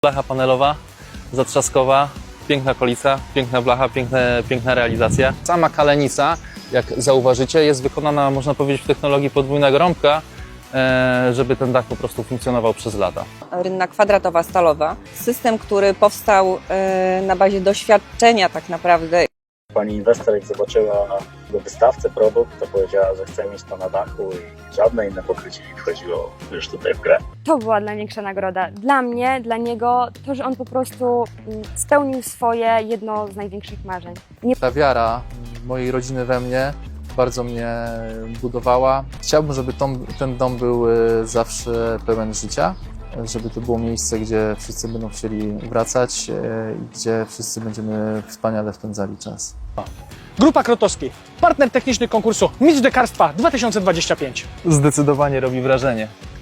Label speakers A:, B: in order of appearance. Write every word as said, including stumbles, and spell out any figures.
A: Blacha panelowa, zatrzaskowa, piękna kolica, piękna blacha, piękne, piękna realizacja. Sama kalenica, jak zauważycie, jest wykonana, można powiedzieć, w technologii podwójnego rąbka, żeby ten dach po prostu funkcjonował przez lata.
B: Rynna kwadratowa, stalowa. System, który powstał na bazie doświadczenia tak naprawdę.
C: Pani inwestor, jak zobaczyła do wystawcy produkt, to powiedziała, że chce mieć to na dachu i żadne inne pokrycie nie wchodziło już tutaj w grę.
D: To była największa nagroda. Dla mnie, dla niego, to, że on po prostu spełnił swoje jedno z największych marzeń. Nie...
E: Ta wiara mojej rodziny we mnie bardzo mnie budowała. Chciałbym, żeby tom, ten dom był zawsze pełen życia, żeby to było miejsce, gdzie wszyscy będą chcieli wracać i gdzie wszyscy będziemy wspaniale spędzali czas.
F: Grupa Krotowski, partner techniczny konkursu Mistrz Dekarstwa dwa tysiące dwudziesty piąty.
A: Zdecydowanie robi wrażenie.